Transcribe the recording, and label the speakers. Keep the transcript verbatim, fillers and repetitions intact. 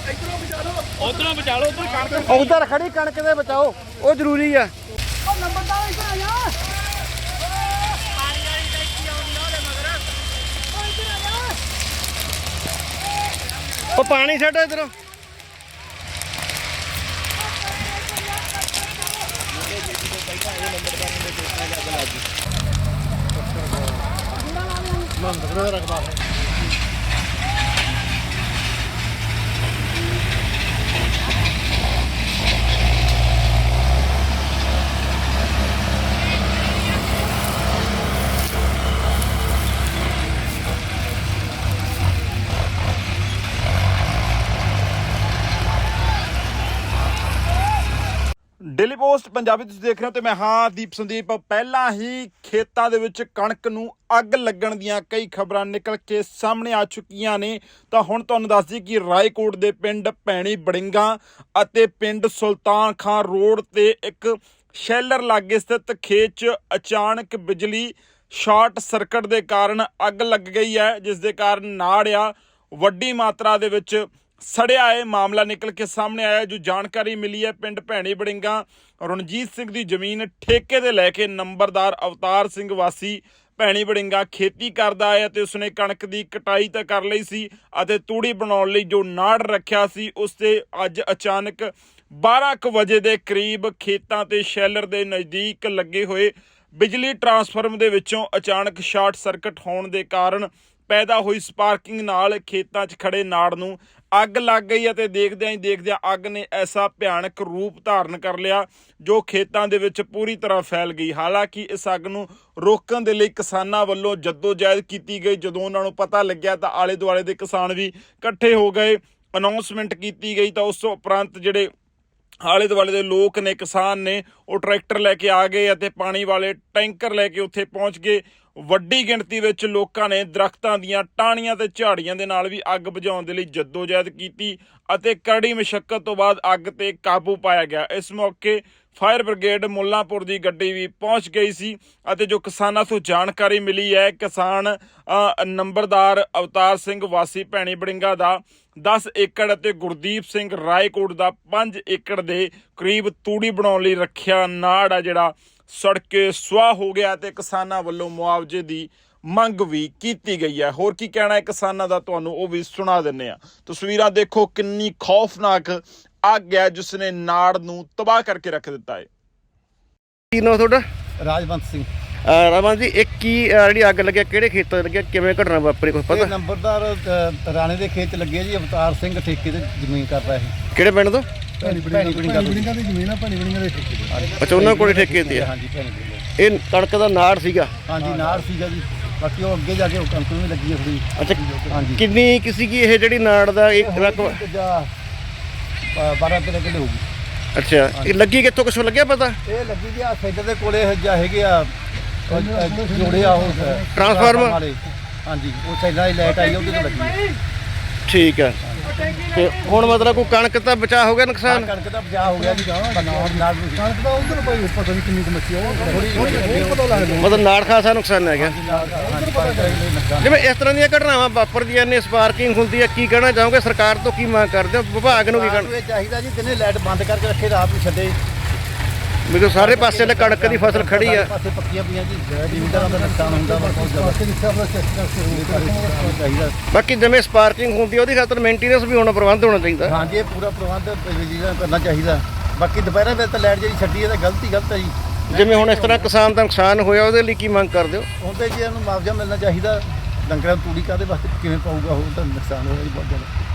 Speaker 1: ਉਧਰੋਂ ਬਚਾ ਲਓ ਉਧਰ ਕਣਕ
Speaker 2: ਉਧਰ ਖੜੀ ਕਣਕ ਦੇ ਬਚਾਓ, ਉਹ ਜ਼ਰੂਰੀ ਆ। ਉਹ ਪਾਣੀ ਛੱਡ ਇਧਰੋਂ।
Speaker 3: ਡੇਲੀ ਪੋਸਟ ਪੰਜਾਬੀ ਤੁਸੀਂ ਦੇਖ ਰਹੇ ਹੋ ਤੇ ਮੈਂ ਹਾਂ ਦੀਪ ਸੰਦੀਪ। ਪਹਿਲਾਂ ਹੀ ਖੇਤਾਂ ਦੇ ਵਿੱਚ ਕਣਕ ਨੂੰ ਅੱਗ ਲੱਗਣ ਦੀਆਂ ਕਈ ਖਬਰਾਂ ਨਿਕਲ ਕੇ ਸਾਹਮਣੇ ਆ ਚੁੱਕੀਆਂ ਨੇ। ਤਾਂ ਹੁਣ ਤੁਹਾਨੂੰ ਦੱਸ ਦਈਏ ਕਿ ਰਾਏਕੋਟ ਦੇ ਪਿੰਡ ਭੈਣੀ ਬੜਿੰਗਾ ਅਤੇ ਪਿੰਡ ਸੁਲਤਾਨ ਖਾਨ ਰੋਡ ਤੇ ਇੱਕ ਸ਼ੈਲਰ ਲਾਗੇ ਸਥਿਤ ਖੇਤ 'ਚ ਅਚਾਨਕ ਬਿਜਲੀ ਸ਼ਾਰਟ ਸਰਕਟ ਦੇ ਕਾਰਨ ਅੱਗ ਲੱਗ ਗਈ ਹੈ, ਜਿਸ ਦੇ ਕਾਰਨ ਨਾੜ ਆ ਵੱਡੀ ਮਾਤਰਾ ਦੇ ਵਿੱਚ ਸੜਿਆ ਹੈ। ਮਾਮਲਾ ਨਿਕਲ ਕੇ ਸਾਹਮਣੇ ਆਇਆ। ਜੋ ਜਾਣਕਾਰੀ ਮਿਲੀ ਹੈ, ਪਿੰਡ ਭੈਣੀ ਬੜਿੰਗਾ ਰਣਜੀਤ ਸਿੰਘ ਦੀ ਜ਼ਮੀਨ ਠੇਕੇ ਤੇ ਲੈ ਕੇ ਨੰਬਰਦਾਰ ਅਵਤਾਰ ਸਿੰਘ ਵਾਸੀ ਭੈਣੀ ਬੜਿੰਗਾ ਖੇਤੀ ਕਰਦਾ ਹੈ ਅਤੇ ਉਸਨੇ ਕਣਕ ਦੀ ਕਟਾਈ ਤਾਂ ਕਰ ਲਈ ਸੀ ਅਤੇ ਤੂੜੀ ਬਣਾਉਣ ਲਈ ਜੋ ਨਾੜ ਰੱਖਿਆ ਸੀ ਉਸ ਤੇ ਅੱਜ ਅਚਾਨਕ ਬਾਰਾਂ ਕੁ ਵਜੇ ਦੇ ਕਰੀਬ ਖੇਤਾਂ ਤੇ ਸ਼ੈਲਰ ਦੇ ਨਜ਼ਦੀਕ ਲੱਗੇ ਹੋਏ ਬਿਜਲੀ ਟਰਾਂਸਫਾਰਮਰ ਦੇ ਵਿੱਚੋਂ ਅਚਾਨਕ ਸ਼ਾਰਟ ਸਰਕਟ ਹੋਣ ਦੇ ਕਾਰਨ ਪੈਦਾ ਹੋਈ ਸਪਾਰਕਿੰਗ ਨਾਲ ਖੇਤਾਂ 'ਚ ਖੜੇ ਨਾੜ ਨੂੰ ਅੱਗ ਲੱਗ ਗਈ ਅਤੇ ਦੇਖਦਿਆਂ ਹੀ ਦੇਖਦਿਆਂ ਅੱਗ ਨੇ ਐਸਾ ਭਿਆਨਕ ਰੂਪ ਧਾਰਨ ਕਰ ਲਿਆ ਜੋ ਖੇਤਾਂ ਦੇ ਵਿੱਚ ਪੂਰੀ ਤਰ੍ਹਾਂ ਫੈਲ ਗਈ। ਹਾਲਾਂਕਿ ਇਸ ਅੱਗ ਨੂੰ ਰੋਕਣ ਦੇ ਲਈ ਕਿਸਾਨਾਂ ਵੱਲੋਂ ਜੱਦੋਜਹਿਦ ਕੀਤੀ ਗਈ। ਜਦੋਂ ਉਹਨਾਂ ਨੂੰ ਪਤਾ ਲੱਗਿਆ ਤਾਂ ਆਲੇ ਦੁਆਲੇ ਦੇ ਕਿਸਾਨ ਵੀ ਇਕੱਠੇ ਹੋ ਗਏ, ਅਨਾਉਂਸਮੈਂਟ ਕੀਤੀ ਗਈ। ਤਾਂ ਉਸ ਤੋਂ ਉਪਰੰਤ ਜਿਹੜੇ ਆਲੇ ਦੁਆਲੇ ਦੇ ਲੋਕ ਨੇ, ਕਿਸਾਨ ਨੇ, ਉਹ ਟਰੈਕਟਰ ਲੈ ਕੇ ਆ ਗਏ ਅਤੇ ਪਾਣੀ ਵਾਲੇ ਟੈਂਕਰ ਲੈ ਕੇ ਉੱਥੇ ਪਹੁੰਚ ਗਏ। ਵੱਡੀ ਗਿਣਤੀ ਵਿੱਚ ਲੋਕਾਂ ਨੇ ਦਰਖਤਾਂ ਦੀਆਂ ਟਾਹਣੀਆਂ ਤੇ ਝਾੜੀਆਂ ਦੇ ਨਾਲ ਵੀ ਅੱਗ ਬੁਝਾਉਣ ਦੇ ਲਈ ਜੱਦੋਜਹਿਦ ਕੀਤੀ ਅਤੇ ਕਰੜੀ ਮੁਸ਼ੱਕਤ ਤੋਂ ਬਾਅਦ ਅੱਗ ਤੇ ਕਾਬੂ ਪਾਇਆ ਗਿਆ। ਇਸ ਮੌਕੇ ਫਾਇਰ ਬ੍ਰਿਗੇਡ ਮੁੱਲਾਂਪੁਰ ਦੀ ਗੱਡੀ ਵੀ ਪਹੁੰਚ ਗਈ ਸੀ ਅਤੇ ਜੋ ਕਿਸਾਨਾਂ ਤੋਂ ਜਾਣਕਾਰੀ ਮਿਲੀ ਹੈ, ਕਿਸਾਨ ਨੰਬਰਦਾਰ ਅਵਤਾਰ ਸਿੰਘ ਵਾਸੀ ਭੈਣੀ ਬੜਿੰਗਾ ਦਾ ਦਸ ਏਕੜ ਅਤੇ ਗੁਰਦੀਪ ਸਿੰਘ ਰਾਏਕੋਟ ਦਾ ਪੰਜ ਏਕੜ ਦੇ ਕਰੀਬ ਤੂੜੀ ਬਣਾਉਣ ਲਈ ਰੱਖਿਆ ਨਾੜ ਆ ਜਿਹੜਾ ਸੜ ਕੇ ਸੁਆਹ ਹੋ ਗਿਆ ਤੇ ਕਿਸਾਨਾਂ ਵੱਲੋਂ ਮੁਆਵਜ਼ੇ ਦੀ ਮੰਗ ਵੀ ਕੀਤੀ ਗਈ ਹੈ। ਹੋਰ ਕੀ ਕਹਿਣਾ ਹੈ ਕਿਸਾਨਾਂ ਦਾ, ਤੁਹਾਨੂੰ ਉਹ ਵੀ ਸੁਣਾ ਦਿੰਦੇ ਆ। ਤਸਵੀਰਾਂ ਦੇਖੋ, ਕਿੰਨੀ ਖੌਫਨਾਕ ਅੱਗ ਹੈ ਜਿਸ ਨੇ ਨਾੜ ਨੂੰ ਤਬਾਹ ਕਰਕੇ ਰੱਖ ਦਿੱਤਾ ਹੈ।
Speaker 2: ਕੀ ਨਾਮ ਤੁਹਾਡਾ?
Speaker 4: ਰਾਜਵੰਤ ਸਿੰਘ।
Speaker 2: ਰਾਜਵੰਤ ਜੀ, ਇੱਕ ਕੀ ਜਿਹੜੀ ਅੱਗ ਲੱਗਿਆ ਕਿਹੜੇ ਖੇਤਾਂ 'ਚ ਲੱਗਿਆ, ਕਿਵੇਂ ਘਟਨਾ ਵਾਪਰੀ, ਕੁਝ ਪਤਾ?
Speaker 4: ਨੰਬਰਦਾਰ ਰਾਣੇ ਦੇ ਖੇਤ 'ਚ ਲੱਗੇ ਜੀ। ਅਵਤਾਰ ਸਿੰਘ ਠੇਕੇ ਤੇ ਜ਼ਮੀਨ ਕਰਦਾ ਹੈ।
Speaker 2: ਕਿਹੜੇ ਪਿੰਡ ਤੋਂ?
Speaker 4: ਭੈਣੀ ਬੜਿੰਗਾ ਦੀ ਜ਼ਮੀਨ ਆ, ਭੈਣੀ ਬੜਿੰਗਾ ਦੇ ਠੇਕੇ ਤੇ।
Speaker 2: ਅੱਛਾ, ਉਹਨਾਂ ਕੋਲ ਠੇਕੇ ਤੇ ਆ।
Speaker 4: ਹਾਂਜੀ, ਭੈਣੀ ਬੜਿੰਗਾ।
Speaker 2: ਇਹ ਕਣਕ ਦਾ ਨਾੜ ਸੀਗਾ?
Speaker 4: ਹਾਂਜੀ, ਨਾੜ ਸੀਗਾ ਜੀ। ਬਾਕੀ ਉਹ ਅੱਗੇ ਜਾ ਕੇ ਕਣਕ ਨੂੰ ਵੀ ਲੱਗੀ ਹੈ ਥੋੜੀ।
Speaker 2: ਅੱਛਾ,
Speaker 4: ਹਾਂਜੀ।
Speaker 2: ਕਿੰਨੀ ਕਿਸੇ ਕੀ ਇਹ ਜਿਹੜੀ ਨਾੜ ਦਾ ਇੱਕ ਰਕਮ?
Speaker 4: ਬਾਰਾਂ ਤੇਰਾਂ ਕਿੱਲੇ ਹੋਊਗੀ।
Speaker 2: ਅੱਛਾ, ਇਹ ਲੱਗੀ ਕਿੱਥੋਂ, ਕੁਛ ਲੱਗਿਆ ਪਤਾ?
Speaker 4: ਇਹ ਲੱਗੀ ਜੀ ਆ ਸੈਂਟਰ ਦੇ ਕੋਲੇ ਜਾਂ ਹੈਗੇ ਆ ਜੋੜੇ ਆ ਉਹ
Speaker 2: ਟਰਾਂਸਫਾਰਮਰ।
Speaker 4: ਹਾਂਜੀ, ਉਹ ਸੈਂਟਰ ਦੀ ਲਾਈਟ ਆਈ ਉਹਦੇ ਤੋਂ ਲੱਗੀ।
Speaker 2: ਠੀਕ ਹੈ। ਤੇ ਹੁਣ ਮਤਲਬ ਕੋਈ ਕਣਕ ਤਾਂ ਬਚਾ ਹੋ ਗਿਆ, ਨੁਕਸਾਨ?
Speaker 4: ਕਣਕ ਦਾ ਬਚਾਅ ਹੋ ਗਿਆ ਜੀ। ਕਣਕ ਦਾ ਉਧਰ ਕੋਈ ਪਤਾ ਨਹੀਂ ਕਿੰਨੀ ਸਮੱਸਿਆ ਉਹ ਪਤਾ ਲੱਗਦਾ।
Speaker 2: ਮਤਲਬ ਨਾੜ ਖਾਸਾ ਨੁਕਸਾਨ ਹੈ ਗਿਆ। ਜਿਵੇਂ ਇਸ ਤਰ੍ਹਾਂ ਦੀਆਂ ਘਟਨਾਵਾਂ ਵਾਪਰਦੀਆਂ ਨੇ, ਸਪਾਰਕਿੰਗ ਹੁੰਦੀ ਹੈ, ਕੀ ਕਹਿਣਾ ਚਾਹੋਗੇ? ਸਰਕਾਰ ਤੋਂ ਕੀ ਮੰਗ ਕਰਦੇ ਹੋ? ਵਿਭਾਗ ਨੂੰ ਕੀ ਕਹਿਣਾ
Speaker 4: ਚਾਹੀਦਾ ਜੀ? ਦਿਨੇ ਲਾਈਟ ਬੰਦ ਕਰਕੇ ਰੱਖੇ, ਰਾਤ ਨੂੰ ਛੱਡੇ।
Speaker 2: ਮੇਰੇ ਸਾਰੇ ਪਾਸੇ ਤੇ ਕਣਕ ਦੀ ਫਸਲ ਖੜੀ ਆ।
Speaker 4: ਪਾਸੇ ਪੱਕੀਆਂ ਪਈਆਂ ਜੀ, ਜ਼ਿਮੀਂਦਾਰਾਂ ਦਾ ਨੁਕਸਾਨ ਹੁੰਦਾ ਵਾ ਬਹੁਤ ਜ਼ਿਆਦਾ।
Speaker 2: ਬਾਕੀ ਜਿਵੇਂ ਸਪਾਰਕਿੰਗ ਹੁੰਦੀ ਉਹਦੀ ਖਾਤਰ ਮੇਨਟੇਨੈਂਸ ਵੀ ਹੋਣਾ, ਪ੍ਰਬੰਧ ਹੋਣਾ ਚਾਹੀਦਾ।
Speaker 4: ਹਾਂਜੀ, ਇਹ ਪੂਰਾ ਪ੍ਰਬੰਧ ਬਿਜਲੀ ਦਾ ਕਰਨਾ ਚਾਹੀਦਾ। ਬਾਕੀ ਦੁਪਹਿਰਾਂ ਵੇਲੇ ਤਾਂ ਲਾਈਟ ਜਿਹੜੀ ਛੱਡੀ ਹੈ ਤਾਂ ਗਲਤੀ ਗਲਤ ਹੈ ਜੀ।
Speaker 2: ਜਿਵੇਂ ਹੁਣ ਇਸ ਤਰ੍ਹਾਂ ਕਿਸਾਨ ਦਾ ਨੁਕਸਾਨ ਹੋਇਆ, ਉਹਦੇ ਲਈ ਕੀ ਮੰਗ ਕਰਦੇ ਹੋ?
Speaker 4: ਉਹਦੇ ਜੀ ਇਹਨੂੰ ਮੁਆਵਜ਼ਾ ਮਿਲਣਾ ਚਾਹੀਦਾ। ਡੰਗਰਾਂ ਨੂੰ ਤੂੜੀ ਕਾਹਦੇ ਵਾਸਤੇ ਕਿਵੇਂ ਪਾਊਗਾ? ਉਹ ਤਾਂ ਨੁਕਸਾਨ ਹੋਇਆ ਜੀ ਬਹੁਤ ਜ਼ਿਆਦਾ।